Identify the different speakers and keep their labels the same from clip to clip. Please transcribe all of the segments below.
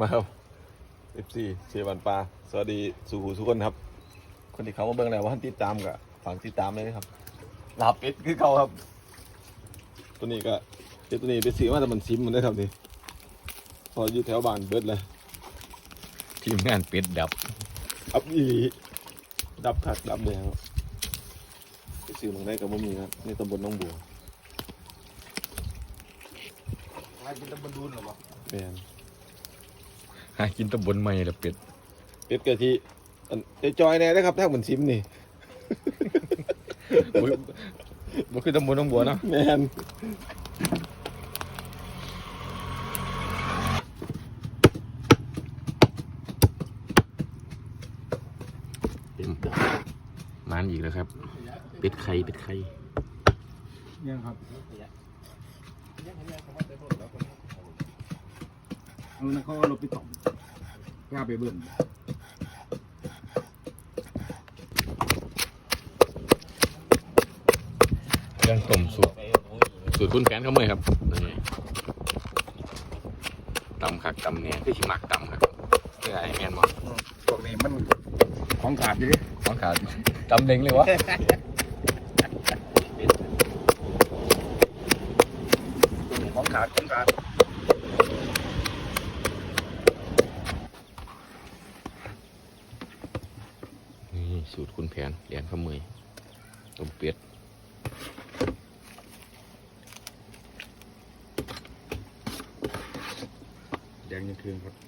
Speaker 1: มาครับ FC เชฟบันปลาสวัสดีสู่หูทุกคนครับคนที่เขามาเบิ่งแล้วว่าติดตามกับฝั่งติดตามเลยนะครับลาบเป็ดคือเขาครับตัวนี้ก็เป็ดตัวนี้ไปซื้อมาแต่มันซิมมันได้ครับนี่พออยู่แถวบ้านเบิดเลย
Speaker 2: ทีมงานเป็ดดับ
Speaker 1: อับอีหลีดับขัดดับเลยครับไปซื้อมาได้กับบ่มีครับในตำบลหนองบัว
Speaker 3: หากินตะบันดูนหรอวะ
Speaker 1: แม่น
Speaker 2: หากินตำบลใหม่ละเป็ด
Speaker 1: เป็ดกะทิอันไอ้จอยแน่นะครับถ้าเหมือนซิมนี่
Speaker 2: อุ๊ยบ่คือตำบลหนองบัวเนาะ
Speaker 1: แม่น
Speaker 2: มานอีกแล้วครับเป็ดไข่เป็ดไข่
Speaker 3: ยังครับเอานะเขาเอารถไปต่อมกล้าไปเบิ่ง
Speaker 2: เครื่องต้มสูตรคุณแผนเขาเมื่อยครับนี่ตำคักตำเนี่ยคือชิมักตำครับเพื่อไอ้แมนบอก
Speaker 3: พวกนี้มันของขาดอยู่ดิ
Speaker 2: ของขาดตำเล็งเลยวะ
Speaker 3: ของขาดของขาด
Speaker 2: นี่สูตรคุณแผนเรียนเขาเมื่อยต้มเป็ด
Speaker 3: แดงยังคืนครับ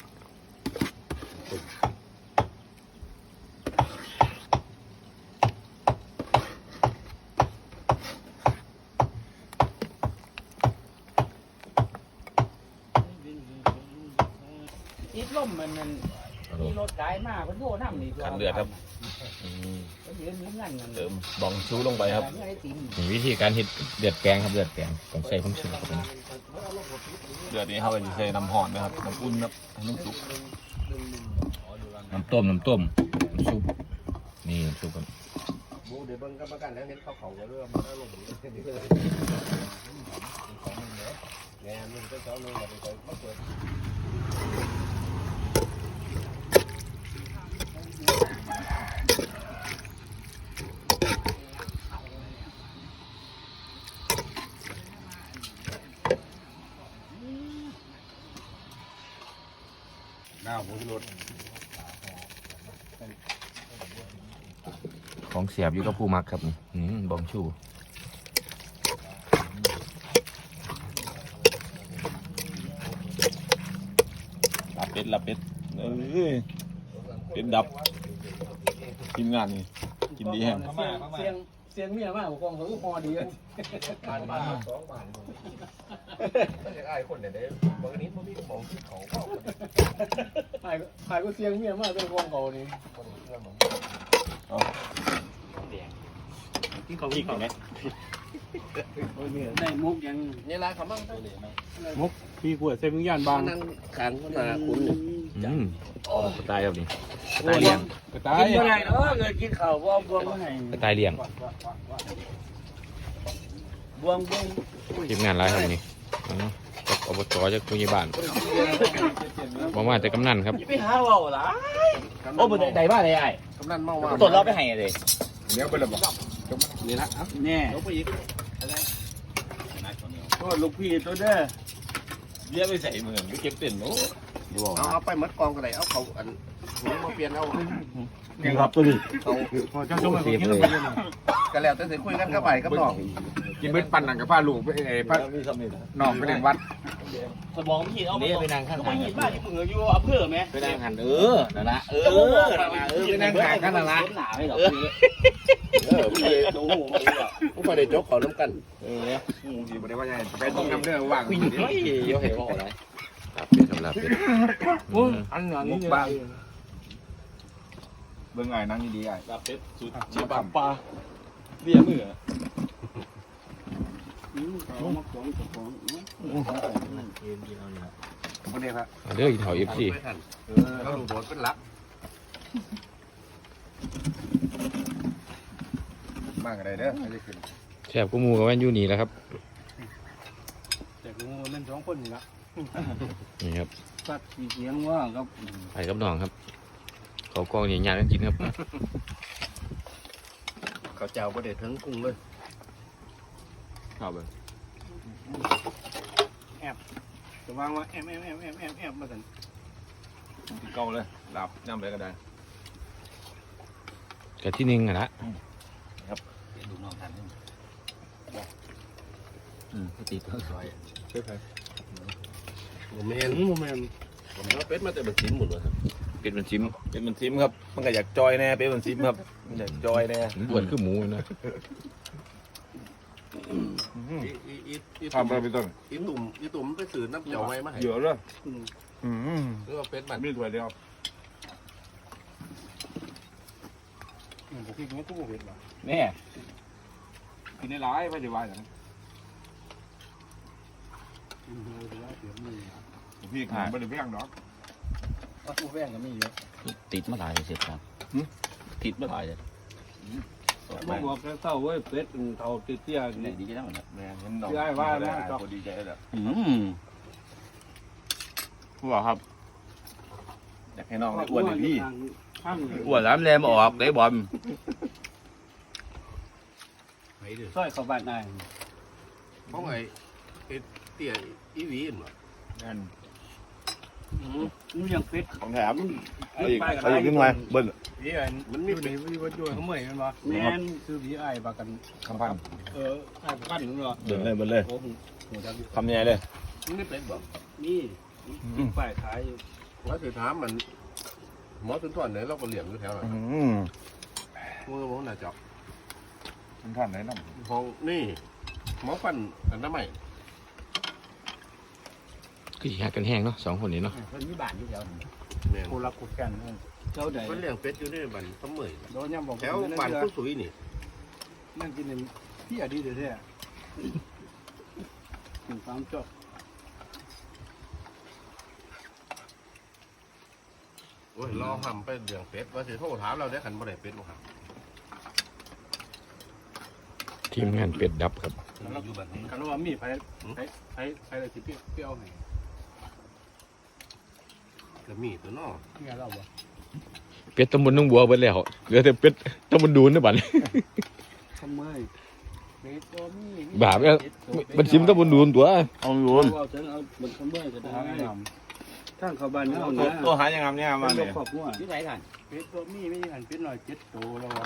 Speaker 4: ติดลมมันมีรถไกลมากมันโทษน้ำนี่
Speaker 1: ขันเลือดครับ
Speaker 4: มันยืนมีเงินมัน
Speaker 1: เติมบองชูลงไปครับ
Speaker 4: ไม่ได้ติม
Speaker 2: นี่วิธีการเฮ็ดเดือดแปลงครับเดือดแปลงต้องใส่ผงชูรสเข้าไปนะ
Speaker 1: เดือดนี้เขาไปใส่น้ำห่อนนะครับน้ำอุ่นครับให้น้ำซุป
Speaker 2: น้ำต้มน้ำซุปนี่น้ำซุปครับ
Speaker 3: บูเดี๋ยวเบิ่งกับประกันแล้วเห็นเขาก็เริ่มมันอารมณ์ดีเลยแง่มึงก็เจ้ามึงมาไปมาเปิด หน้าผมรถ
Speaker 2: ของเสียบอยู่กับผู้มักครับนี่บองชู
Speaker 1: ลาบเป็ดเป็นดับทีมงานนี่กินดีแห้ง
Speaker 4: เสียงเมียมากกองเขาก็พอดีเลย
Speaker 3: บ้าน2 บ้านมันจะอ้ายคนเนี่ยเด้บางนี้พวกนี้ก็มองที่เขาเข้า
Speaker 4: หายก็เสียงเมียมากเป็นกองเขานี่
Speaker 1: ที่เขาอีกไหม
Speaker 4: ได้มุกยัง
Speaker 3: นี่ร้านเขามั่ง
Speaker 4: มุกพี่ขวดเซมิงยานบาง
Speaker 3: นั่งขังก็มาคุณ
Speaker 2: สไตล์ครับนี่สไตล์เลี้ยง
Speaker 4: กินเมื่อไรเนาะเกิดกินข้าวบวงเมื่อไหร่
Speaker 2: สไตล์เลี้ยง
Speaker 4: บวง
Speaker 2: ทีมงานไรครับนี่จากอบตจากผู้ใหญ่บ้านบอกว่าแต่กำนันครับ
Speaker 4: ไปหาเราล่ะโอ้บนใดบ้านใดไอ้
Speaker 3: กำนันเมาว่า
Speaker 4: ต้นเราไปให้เลย
Speaker 3: เดี๋ยวไปเลยบอกนี่ละ
Speaker 4: แน่ก็ลูกพี่ตัวเด้อ
Speaker 1: เลี้ยไปใส่มือไปเก็บเต็นโอ้
Speaker 3: เอาไปมัดกองกันเลยเอาเขาอันมาเปลี่ยนเอา
Speaker 1: นี่ครับตัวนี้
Speaker 3: เขา
Speaker 4: พอเจ้าชมไปกินเลย
Speaker 3: กันแล้วแต่คุยกันกับไปกับน้อง
Speaker 5: กินเบ็ดปั่นหนังกับผ้าลูกไปผ้า
Speaker 1: มีสมิธ
Speaker 5: นอกไปเล่นวัด
Speaker 4: สมองพี่เอาไปนั่งข้างก็ไปยินบ้านที่มึงอยู่อำเภอไหม
Speaker 2: ไปนั่งหันนั่นละ
Speaker 4: ไปนั่งห่างกันละหนาให้หรอ
Speaker 3: ผู้ไปได้จกเขาน้ำกัน
Speaker 5: ดีบ่ได้ว่าไงไปต้องนำเรื่องว่าง
Speaker 2: วิ่งเฮ้ยเยอะเห็นพ่ออะไรลาบเป็ดครับลาบเป็ด
Speaker 4: อันนี้
Speaker 5: มุกบ้างเบิ่งไงนั่งดีๆไง
Speaker 1: ลาบเป็ดสูตรเชฟบันปลาเลี้ยมือ
Speaker 5: คนนี้ครับ
Speaker 2: เด้ออีเถาFC
Speaker 3: เราดูโดดเป็นลัก
Speaker 5: มากอะไรเด้อไม่ได้ขึ้น
Speaker 2: แซ่บกูมูกับแว่นอยู่นี่แหล้วครับ
Speaker 4: แต่กูมัน2 คนนี่ละ
Speaker 2: นี่ครับ
Speaker 4: สักเสียงว่าครับ
Speaker 2: ไปกับน้องครับเขากองใหญ่ๆกันกินครับ
Speaker 3: เขาเจ้าประเด็ดทั้งกุ้งเลย
Speaker 1: ครับเลย
Speaker 4: จะวางว่าแอมมาสัน
Speaker 1: เก่าเลยหลับย่ำไปก็ได้
Speaker 2: กับที่หนึ่งอะละ
Speaker 3: ดูน้องทัน
Speaker 5: ตีตัวซอย
Speaker 1: ใช่ไหม
Speaker 3: โมเมนผมว่าเป็ดมาแต่แบบซิมหมดเลยครับ
Speaker 2: เป็นมันชิม
Speaker 1: เป็นมันซิมครับมันก็อยากจอยแน่เป็นมันซิมครับมันอยากจอยแน่
Speaker 2: อ้วนคือหมูนะ
Speaker 5: ทำไปเป็นต้น
Speaker 3: อีตุ่มไปสื่อน้ำเจียวไว้มาให้
Speaker 5: เยอะเลย
Speaker 3: หรือว่าเป็ดมัน
Speaker 5: มีถ้วยเดียว
Speaker 4: ผมคิดว่าตู้เห็ดหรอ
Speaker 5: แม่กินได้หลายไม่ได้ว่าอย่างนั้นพี่ขายไม่ได้แพงหรอก
Speaker 4: ว่าตู้แป้งก็มีเยอะ
Speaker 6: ติดมาหลายเสร็จครับติดมาหลายเลย
Speaker 4: ต้องบอกแค่เศร้าเว้ยเป็ดเท่าเตี้ย
Speaker 6: เนี่
Speaker 4: เนี่ย ย
Speaker 6: ดีจังเลย
Speaker 1: แม่เห็นน้อง
Speaker 4: ได้ว่าแล้ว
Speaker 1: พอดีใจแล้ว
Speaker 2: ผู้บอกครับ
Speaker 1: อยากให้น้องได้อ้วนเลยพี่
Speaker 2: อ้วนแล้วแรมออกได้บอล
Speaker 3: ไปเด้อ
Speaker 4: ซอยเข้าบ้านได้
Speaker 3: เพราะไงเตี้ยอีวีนวะ
Speaker 5: นั่น
Speaker 4: นี่ยังเป็ด
Speaker 1: ของแถมเอาอีกขึ้นมาเบิ้ล
Speaker 4: พี่ไอ้มันมีเป็ดมีวัดด้วยเขาเมื่อยมันบ่แม่นคือพี่ไอ้ปากัน
Speaker 1: คำพัน
Speaker 4: ไอ้ปั้นนึงเหรอ
Speaker 1: เบิ้ลเลยเบิ้ลเลย
Speaker 4: โอ้โหจัง
Speaker 1: คำใหญ่เลย
Speaker 3: มันไม่เป็ดบอก
Speaker 4: นี่ป้ายขายอยู่
Speaker 3: ว่าคือถามมันหมอสุนทรเนี่ยเราก็เหลี่ยมอยู่แถวนั้นมือหมอหน้าจอก
Speaker 5: คุณท่านไหนน้ำ
Speaker 3: ห้องนี่หมอฟันอันนั้นใหม่
Speaker 2: คือหักกันแห้งเนาะสองคนนี้เนาะ
Speaker 6: เพิ่นมีบ้านอยู่แถวนั้น
Speaker 3: เนี่ย
Speaker 4: กูรักกูกันเจ้าใด
Speaker 3: มันเลี้ยงเป็ดอยู่ในบ้านสมัย
Speaker 4: โดนย่ำบอก
Speaker 3: แถวบ้านผู้สุยนี่
Speaker 4: นั่งกินพี่อดีตเด้อถึงความจบ
Speaker 3: โอ้ยรอทำไปเลี้ยงเป็ดว่าสิโทรถามเราได้ขันบ่ได้เป็ดบ่ครับ
Speaker 2: ทีมงานเป็ดดับครับ
Speaker 3: อยู่แบบนี้
Speaker 4: กันว่ามีไผอะไรที่เปรี้ยวไง
Speaker 3: ก็มีตัวน้อ
Speaker 4: เงี้ยเราบ่
Speaker 2: เป็ดตำบลน้องบัวเบิดแล้วเหลือแต่เป็ดตำบลดูนนะบัด
Speaker 4: ทำไมเป็ดตัวมี
Speaker 2: บาปเนี่ยมันชิมตำบลดูนตัวเอาอยู่
Speaker 4: เอาถึงเอาบนทำไมก็ได้ทั้งเขาบ้านเฮานะ
Speaker 1: ตัวหายังไงเนี่ยมา
Speaker 4: เป็
Speaker 1: เนี่ย
Speaker 4: นครอบครัว
Speaker 6: ที่ไหนกัน
Speaker 4: เป็ดตัวมีไม่หันเป็ดหน่อย7โตแล้ววะ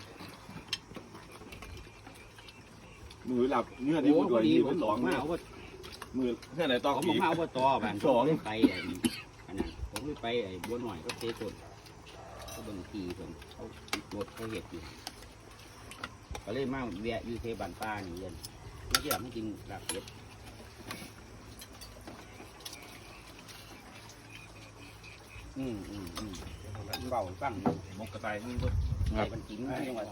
Speaker 1: มือหลับเนื้อที่มือด้วยที่มือสอง
Speaker 6: มาเอาว่า
Speaker 1: มือเพื่อนไหนตอก
Speaker 6: ผม
Speaker 1: อีก
Speaker 6: มาเอาว่าต่อบ้านไปไอ้อันนั้นผมไปไอ้บัวหน่อยก็เตะต้นเขาบางทีผมเขารถเขาเห็ดอยู่ก็เลยมาแวะอยู่เทบ้านป้านี่เย็นไม่เชื่อไม่กินลาบเป็ดเบาฟังมกกระต่ายนี่ก็ไอ้มันกินยังไง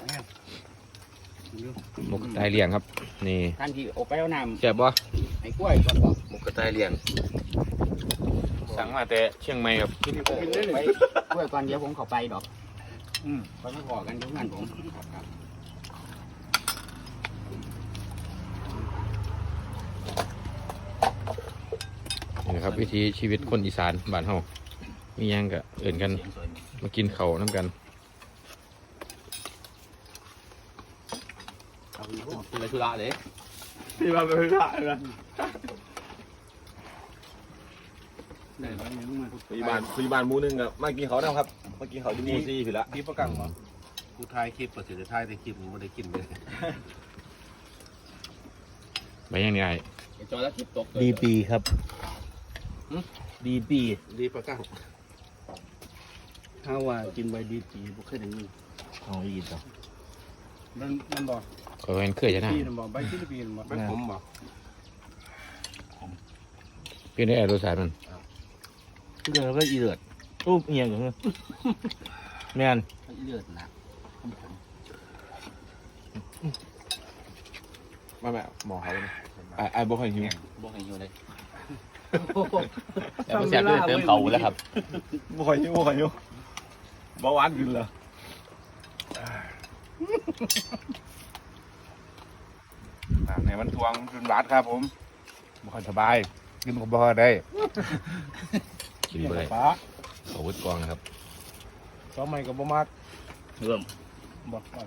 Speaker 2: หมกตายเลี้ยงครับ นี่
Speaker 6: ท่านที่ออกไปเอาน้
Speaker 2: แซ่บบ่
Speaker 6: ำไอ้กล้วยก่อนบอก
Speaker 2: หมกกระต่ายเลี้ยงสั่งมาแต่เชียงใหม่ครับ
Speaker 6: ไปกล้วยก่อนเดี๋ยวผมเข้าไปดอกไปมาขอกันทุกงานผมครับ
Speaker 2: นี่นะครับวิธีชีวิตคนอีสานบ้านเฮามีหยังก็เอิ่นกันมากินข้าวน้ำกัน
Speaker 6: เป็นอะไรธุระเลย
Speaker 1: พี่มาเป็นพระนะ
Speaker 4: ได้แล้วยังมาทุก
Speaker 1: พยาบาลหมูนึงอะมากินเขานะครับมากินเขาที่หมูซี่ผิดละ
Speaker 3: ที่ประกังเหรอกูถ่ายคลิปประสิทธิ์ถ่ายในคลิปมึงไม่ได้กินเลย
Speaker 2: ไปยังนี่ไอ้
Speaker 6: จอแล้วคลิปตกดีปีครับดีปี
Speaker 3: ดีประกัง
Speaker 4: ถ้าว่ากินใบดีจีบ่เคยได้ยิน
Speaker 6: เอาอีกต่อ
Speaker 4: มันบอก
Speaker 2: ขอเห็นเคยจะน่า
Speaker 4: ปีนบอกใบที่ปีนบอก
Speaker 3: เป็นผมบอก
Speaker 2: พี่ได้แอร์รสชาติมัน
Speaker 6: เดือดก็อีเลือดรูปเอียงอย่างเงี้ยแม่นอีเลือดนะ
Speaker 1: มาแม่หมอเขาเลยไอ้บอกให้หิว
Speaker 6: บอกให้อยู่เลยแต่ไม่แซ่บด้วยเติมเขาแล้วครับ
Speaker 1: บอกให้หิวเบาหวานขึ้นเหรอ
Speaker 5: ในมันทวงจนบาทครับผมบ่ค่อยสบายกินก็บ่ค่อยได้
Speaker 2: กินไปเลย
Speaker 4: ฟ้า
Speaker 2: เอาวุ้ดกองนะครับ
Speaker 4: ซ้อมใหม่กับบ่มัก
Speaker 6: เริ่ม
Speaker 4: บอกว่า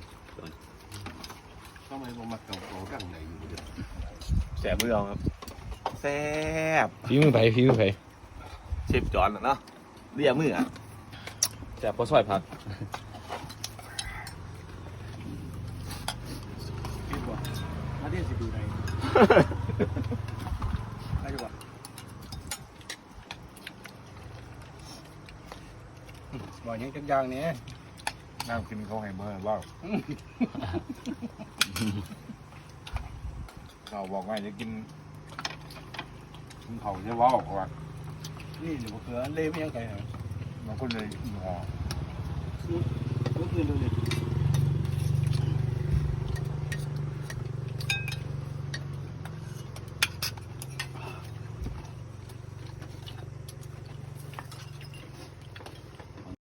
Speaker 4: ซ้อมใหม่บ่มักเก่า
Speaker 3: ตั้งไหนอยู่เดี๋ยว
Speaker 1: แสบมือเอาครับแซ่บ
Speaker 2: ฝีมือไผ่ฝีมือไผ่
Speaker 1: เชฟจอนอะเนาะเรียกมืออ่ะแซ่บพอซอยผัก
Speaker 4: คิดว่าถ้าเรียนสิดูไหนได้ดีกว่าบอกยังจักอย่างนี้
Speaker 5: น้ำกินเขาให้เมื่อบ้างเราบอกว่าจะกินเขาจะว่าออกว่า
Speaker 4: นี่หรือว่าเกลือเล่ไม่ยังไงเหรอบ
Speaker 5: างคนเลยห่อ
Speaker 4: ก็คือเลย